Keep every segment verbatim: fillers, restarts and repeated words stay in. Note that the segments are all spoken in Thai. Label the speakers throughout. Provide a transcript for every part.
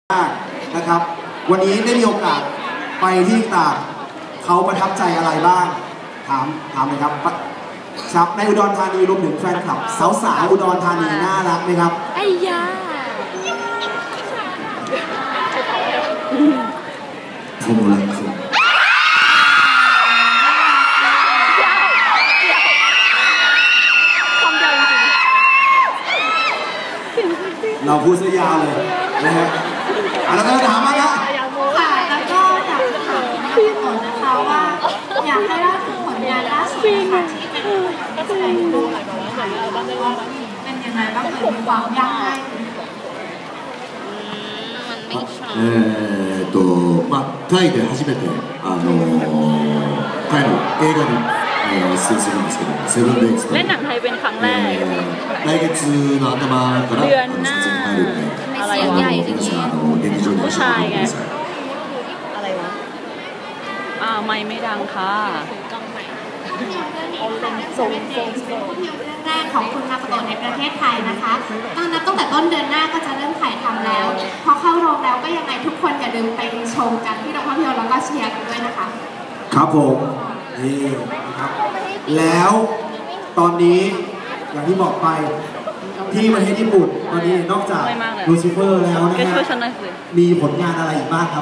Speaker 1: มากนะครับวันนี้ได้มีโอกาสไปที่ต่างเขาประทับใจอะไรบ้างถามถามเลยครับครับในอุดรธานีรวมถึงแฟนคลับสาวๆอุดรธานีน่ารักไหมครับ
Speaker 2: ไอ้ยา
Speaker 1: ผมรักคุณเราพูดซะยาวเลยนะฮะแล้วก็ถามมาแล้ว
Speaker 3: ค่ะแล้วก็อยากถามก่อนนะคะว่าอยากให้เล่าถึงผลงานล่าสุดค่ะที่เป็นแสดงดูเป็นยังไงบ้างเป็นความยากง่าย
Speaker 4: えーとまあタイで初めてあのタイの映画に出演するんですけど、セブンデイズと。
Speaker 2: เล่นหนังไทยเป็นครั้งแรก
Speaker 4: 来月の頭から撮影に入るので、
Speaker 2: อะไรใหญ่จริง
Speaker 4: ๆあの劇場に足を運んでください。
Speaker 2: อะไรวะอ่าไม่ไม่ดังค่ะ
Speaker 3: แรกของคุณมาโกโตะในประเทศไทยนะคะตอนนั้นตั้งแต่ต้นเดือนหน้าก็จะเริ่มถ่ายทำแล้วพอเข้าโรงแล้วก็ยังไงทุกคนอย่าลืมไปชมกันที่โรงภาพยนตร์แล้วก็เชียร์กันด้วยนะคะ
Speaker 1: ครับผมนี่นะครับแล้วตอนนี้อย่างที่บอกไปที่ประเทศญี่ปุ่นตอนนี้นอกจากลูซิเฟอร์แล้วนะฮะมีผลงานอะไรอีกบ้างครับ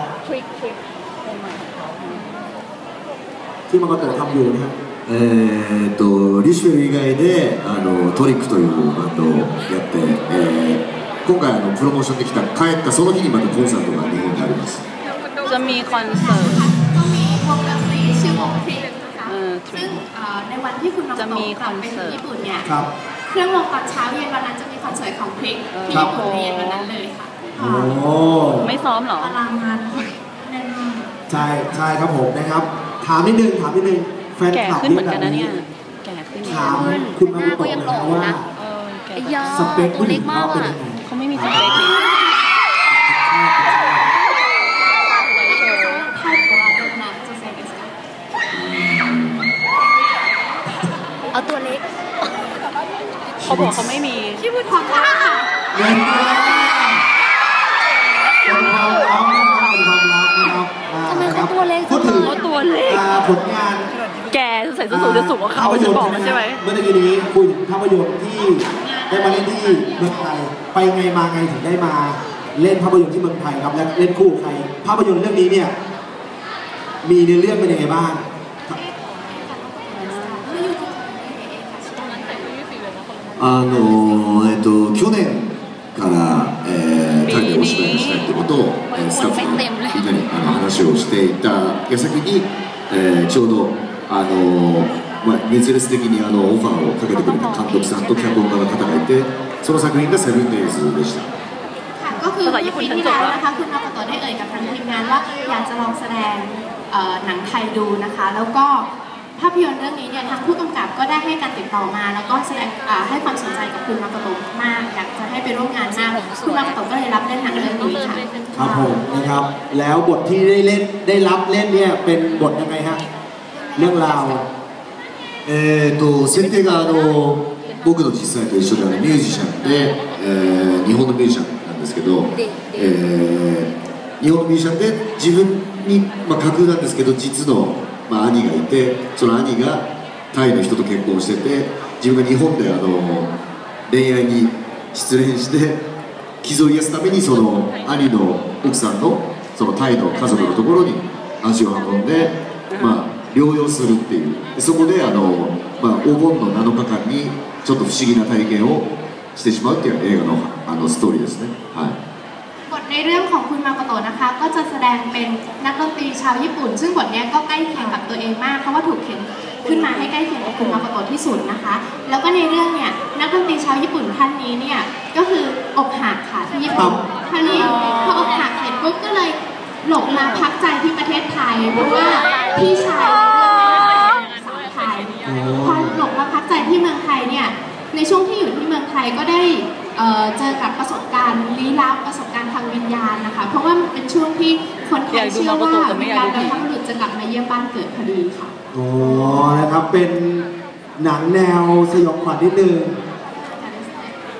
Speaker 1: ที่มาโกโตะทำอยู่นะฮะ
Speaker 4: えーとリシュエル以外であのトリックというバンドをやって、えー、今回あのプロモーションできた帰ったその日にまたコンサートが日本にあります
Speaker 2: จะมีคอนเสิร์ต
Speaker 3: ก็มีวงดนตรีชื่อวงทริกนะคะซึ่งในวันที่คุณมาโกโตะกลับไปที่ญี่ปุ่นเนี่ยเครื่องวงตอนเช้าเย็นวันนั้นจะมีคอนเสิร์ตของทริกที่ญี่ปุ่นเย็นวันนั้นเลยค่ะ
Speaker 1: โอ้
Speaker 2: ไม่ซ้อมหรอ
Speaker 3: ตารางงานแน่นมาก
Speaker 1: ใช่ใช่ครับผมนะครับถามนิดนึงถามนิดนึงแฟนคลับ
Speaker 2: นี่แบบนี้
Speaker 1: ถามคุณมาโกโตะนะว่าสเปคผู้หญิงเขาเป็นยังไง
Speaker 2: เขาไม่มีสเปค
Speaker 3: เอาตัวเล็ก
Speaker 2: เขาบอกเขาไม่มี
Speaker 3: ที่พูดความรักค่ะ
Speaker 1: เงินเป็นความรักเป็นความรักนะครับ
Speaker 3: ทำไมเขาตัวเล็ก
Speaker 1: พูดถึง
Speaker 2: ตัวเล็ก
Speaker 1: ผลงาน
Speaker 2: แกใส่ส้นสูงจะสูงกว่าเขาจะบอกใช่ไหม
Speaker 1: เมื่อกี้นี้คุยถึงภาพยนตร์ที่ได้มาเล่นที่เมืองไทยไปไงมาไงถึงได้มาเล่นภาพยนตร์ที่เมืองไทยครับและเล่นคู่ใครภาพยนตร์เรื่องนี้เนี่ยมีในเรื่องเป็นยังไงบ้าง
Speaker 4: あのえっと去年から、えー、タイでお芝居をしたいということを、えー、スタッフのみんなにあの話をしていた矢先に、えー、ちょうどあのまあ熱烈的にあのオファーをかけてくれた監督さんと脚本家の方がいて、その作品がセブンデイズでした。
Speaker 3: ก็คือปีที่แล้วนะคะคุณมาโกโตะได้เอ่ยกับทางทีมงานว่าอยากจะลองแสดงหนังไทยดูนะคะแล้วก็ภาพยนตร์เรื่องนี้เนี่ยทางผู้กำกับก็ได้ให้การติดต่อมาแล้วก็แสดงให้ความสนใจกับคุณมาโกโตะมากอยากจะให้ไปร่วมงานมากคุณมาโกโตะก็เลยรับเล่นหนังเรื่องนี้ค่ะ
Speaker 1: ครับผมนะครับแล้วบทที่ได้เล่นได้รับเล่นเนี่ยเป็นบทยังไงฮะเรื่องราว
Speaker 4: えーと設定があの僕の実際と一緒であのミュージシャンで、えー、日本のミュージシャンなんですけど、えー、日本のミュージシャンで自分に、まあ、架空なんですけど実のまあ、兄がいて、その兄がタイの人と結婚してて、自分が日本であの恋愛に失恋して傷を癒すためにその兄の奥さんのそのタイの家族のところに足を運んで、まあ、療養するっていうでそこであの、まあ、お盆のなのかかんにちょっと不思議な体験をしてしまうっていう映画の、あのストーリーですね。はい
Speaker 3: บทในเรื่องของคุณมาโกโตะนะคะก็จะแสดงเป็นนักดนตรีชาวญี่ปุ่นซึ่งบทนี้ก็ใกล้เคียงกับตัวเองมากเพราะว่าถูกเขียนขึ้นมาให้ใกล้เคียงกับคุณมาโกโตะที่สุดนะคะแล้วก็ในเรื่องเนี่ยนักดนตรีชาวญี่ปุ่นท่านนี้เนี่ยก็คืออกหักค่ะที่ญี่ปุ่นท่านนี้พออกหักเสร็จปุ๊บก็เลยหลบมาพักใจที่ประเทศไทยเพราะว่าพี่ชายเป็นสาวไทยพอหลบมาพักใจที่เมืองไทยเนี่ยในช่วงที่อยู่ที่เมืองไทยก็ได้เจอกับประสบการณ์ลี้ลับประสบการณ์ทางวิญญาณนะคะเพราะว่ามันเป็นช่วงที่คนไทยเชื่อว่าวิญญาณบรรพบุรุษจะกลับมาเยี่ยมบ้านเกิดพอดีค่ะ
Speaker 1: อ๋อนะครับเป็นหนังแนวสยองขวัญนิดนึง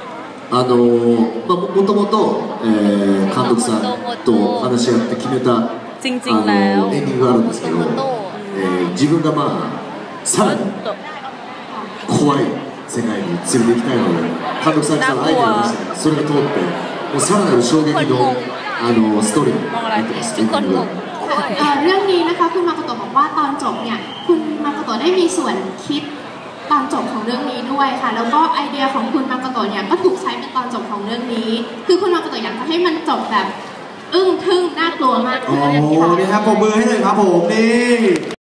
Speaker 4: あのまあ、ももともと、えー、監督さんと話し合って決めたあの
Speaker 2: จริงๆแล้ว
Speaker 4: エンディングがあるんですけど、えー、自分がまあさらに怖い世界に連れて行きたいので監督さんからアイデアを出してそれが通ってもうさらなる衝撃のあのストーリーになってます。エンディングが
Speaker 3: เอ่อเรื่องนี้นะคะคุณมาโกโตะบอกว่าตอนจบเนี่ยคุณมาโกโตะได้มีส่วนคิดตอนจบของเรื่องนี้ด้วยค่ะแล้วก็ไอเดียของคุณมาโกโตะเนี่ยก็ถูกใช้เป็นตอนจบของเรื่องนี้คือคุณมาโกโตะอยากจะให้มันจบแบบอึ้งทึ่งน่ากลัวมาก
Speaker 1: โอ้
Speaker 3: ขึ้นค่ะ
Speaker 1: นี่ครับปรบมือให้เลยครับผมนี่